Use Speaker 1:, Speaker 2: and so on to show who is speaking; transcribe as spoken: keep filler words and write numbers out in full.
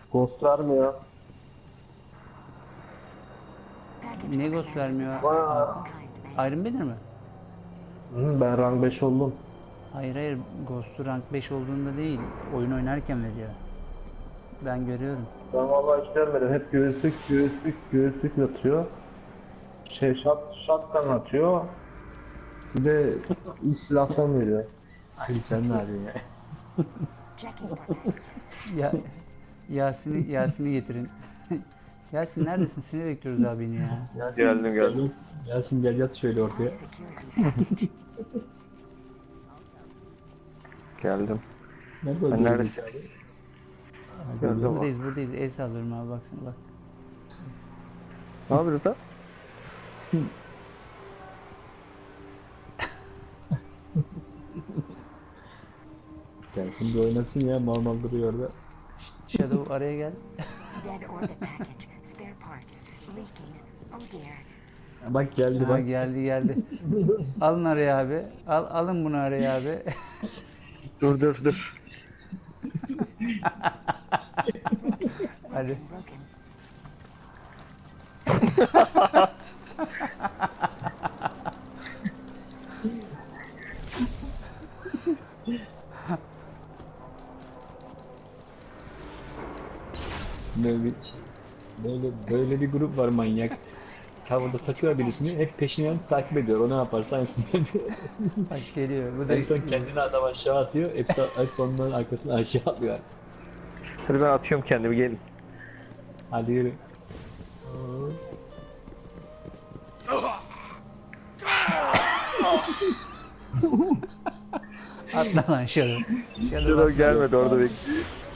Speaker 1: Ghost vermiyor.
Speaker 2: Ne ghost vermiyor?
Speaker 1: Aa.
Speaker 2: Iron Banner mi?
Speaker 1: Hı, ben rank beş oldum.
Speaker 2: Hayır hayır, Ghost'u rank beş olduğunda değil, oyun oynarken veriyor. Ben görüyorum.
Speaker 1: Ben vallahi hiç görmedim. Hep göğüslük, göğüslük, göğüslük atıyor. Şey, shot, shotgun atıyor. Bir de ilk silahtan veriyor.
Speaker 3: Ali sen ne yapıyorsun ya?
Speaker 2: Ya Yasin'i Yasin'i getirin. Yasin neredesin? Seni bekliyoruz abini ya.
Speaker 3: Yasin,
Speaker 4: Geldim, geldim.
Speaker 3: gel- Yasin gel yat şöyle ortaya.
Speaker 4: Geldim.
Speaker 3: Nerede
Speaker 4: Ben
Speaker 3: öldürdün
Speaker 4: neredesiniz? Geldim abi.
Speaker 2: Buradayız buradayız. El sallıyorum abi, baksana bak.
Speaker 4: Ne yapıyoruz da?
Speaker 3: Gelsin bir oynasın ya, mal mal duruyor orada.
Speaker 2: Shadow araya gel.
Speaker 5: Dead orbit package. Spare parts. Leaking. Oh dear.
Speaker 3: Bak geldi
Speaker 2: Ha,
Speaker 3: bak.
Speaker 2: geldi geldi. Alın araya abi. Al, alın bunu araya abi.
Speaker 4: Dur dur dur.
Speaker 2: Hadi.
Speaker 5: Broken.
Speaker 3: Böyle bir, böyle, böyle bir grup var manyak. Tavada takıyor birisini, hep peşinden takip ediyor. O ne yaparsa aynısını yapıyor.
Speaker 2: Bak geliyor. Bu da
Speaker 3: En son kendini adam aşağı atıyor, hepsi hepsi onların arkasına aşağı atlıyor.
Speaker 4: Hadi ben atıyorum kendimi, gelin.
Speaker 3: Hadi yürü.
Speaker 2: atla lan Shadow. Shadow
Speaker 4: Şurada
Speaker 2: atla.
Speaker 4: gelmedi, orada bekliyor.